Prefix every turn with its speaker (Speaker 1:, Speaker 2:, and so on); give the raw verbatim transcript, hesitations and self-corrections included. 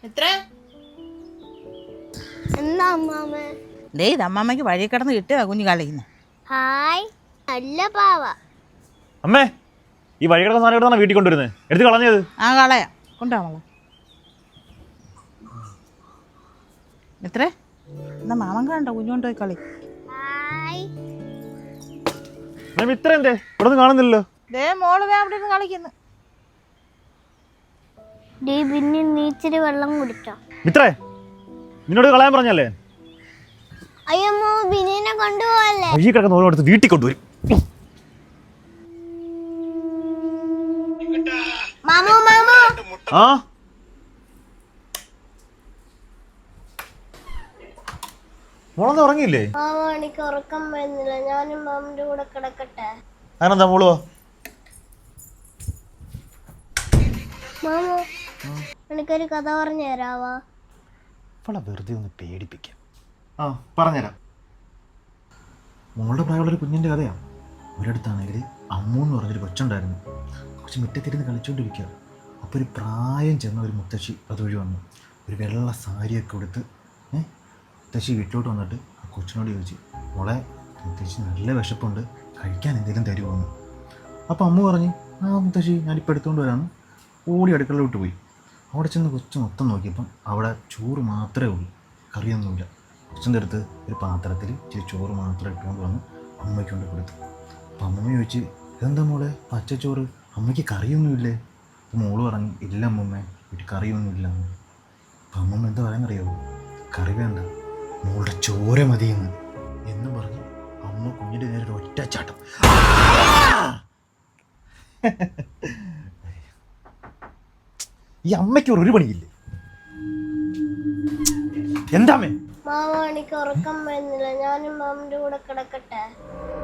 Speaker 1: എത്ര
Speaker 2: എന്താ അമ്മാമ?
Speaker 1: ദേ ഇത് അമ്മാമ്മയ്ക്ക് വഴി കിടന്ന് കിട്ടുക കുഞ്ഞു കളിയുന്നു.
Speaker 2: ഹായ്, നല്ല പാവ.
Speaker 3: അമ്മേ, ഈ വഴി കിടന്ന സാധനം എടുത്താണ് വീട്ടിൽ കൊണ്ടുവരുന്നത്. എടുത്ത് കളഞ്ഞത്.
Speaker 1: ആ കളയാ കൊണ്ടുപോവാ. എത്ര എന്നാ മാമൻ കണ്ടോ കുഞ്ഞു കൊണ്ടുപോയി കളി.
Speaker 2: ഹായ്.
Speaker 3: ഇത്ര എന്തേ ഇവിടെ ഒന്നും കാണുന്നില്ലല്ലോ.
Speaker 1: ദേ മോള് ദേ അവിടെ ഇരുന്ന് കളിക്കുന്നു.
Speaker 2: ഡീ പിന്നെ നീച്ചിരി വെള്ളം കുടിച്ചോ?
Speaker 3: ഇത്രേ നിന്നോട് കളയാൻ പറഞ്ഞല്ലേ?
Speaker 2: അയ്യമ്മോ, ബിനിനെ കൊണ്ടുപോവല്ലേ?
Speaker 3: വഴി കിടക്കുന്ന ഓരോ അടുത്ത് വീട്ടിൽ കൊണ്ടുവരും.
Speaker 2: മാമോ മാമോ.
Speaker 3: ആ മോളൊന്നും ഉറങ്ങിയില്ലേ?
Speaker 2: മാമ, എനിക്ക് ഉറക്കം വരുന്നില്ല. ഞാനും മാമിന്റെ കൂടെ കിടക്കട്ടെ?
Speaker 3: അങ്ങനെന്താ മോളോ?
Speaker 2: മാമോ, എനിക്കൊരു കഥ പറഞ്ഞു തരാവാ?
Speaker 3: അവളെ വെറുതെ ഒന്ന് പേടിപ്പിക്കാം. ആ പറഞ്ഞുതരാം. മോളുടെ പ്രായമുള്ളൊരു കുഞ്ഞിൻ്റെ കഥയാണ്. ഒരിടത്താണെങ്കിൽ അമ്മു എന്ന് പറഞ്ഞൊരു കൊച്ചുണ്ടായിരുന്നു. കൊച്ചു മുറ്റത്തിരുന്ന് കളിച്ചുകൊണ്ടിരിക്കുക. അപ്പോൾ ഒരു പ്രായം ചെന്ന ഒരു മുത്തശ്ശി അതുവഴി വന്നു. ഒരു വെള്ള സാരിയൊക്കെ കൊടുത്ത് ഏഹ് മുത്തശ്ശി വീട്ടിലോട്ട് വന്നിട്ട് ആ കൊച്ചിനോട് ചോദിച്ചു, മോളെ മുത്തശ്ശി നല്ല വിശപ്പുണ്ട്, കഴിക്കാൻ എന്തെങ്കിലും തരുമോന്ന്. അപ്പോൾ അമ്മ പറഞ്ഞു, ആ മുത്തശ്ശി ഞാനിപ്പോൾ എടുത്തുകൊണ്ട് വരാമെന്ന്. ഓടി അടുക്കളയിലോട്ട് പോയി. അവിടെ ചെന്ന് കൊച്ചു മൊത്തം നോക്കിയപ്പം അവിടെ ചോറ് മാത്രമേ ഉള്ളൂ, കറിയൊന്നുമില്ല. കൊച്ചിൻ്റെ അടുത്ത് ഒരു പാത്രത്തിൽ ഇച്ചിരി ചോറ് മാത്രം ഇട്ടുകൊണ്ട് വന്ന് അമ്മയ്ക്ക് കൊണ്ട് കൊടുത്തു. അപ്പം അമ്മ ചോദിച്ച്, ഇതെന്താ മോളെ പച്ചച്ചോറ്, അമ്മയ്ക്ക് കറിയൊന്നുമില്ലേ? അപ്പം മോള് പറഞ്ഞു, ഇല്ല അമ്മമ്മേ, വീട്ടിൽ കറിയൊന്നുമില്ല. അപ്പം അമ്മമ്മ എന്താ പറയാനറിയാവോ? കറി വേണ്ട, മോളുടെ ചോര മതിയെന്ന് എന്ന് പറഞ്ഞ് അമ്മ കുഞ്ഞിൻ്റെ നേരെ ഒരു ഒറ്റച്ചാട്ടം. ഈ അമ്മയ്ക്ക് ഒരു പണിയില്ലേ? എന്താ അമ്മേ?
Speaker 2: മാമ, എനിക്ക് ഉറക്കം വരുന്നില്ല. ഞാനും മാമിന്റെ കൂടെ കിടക്കട്ടെ?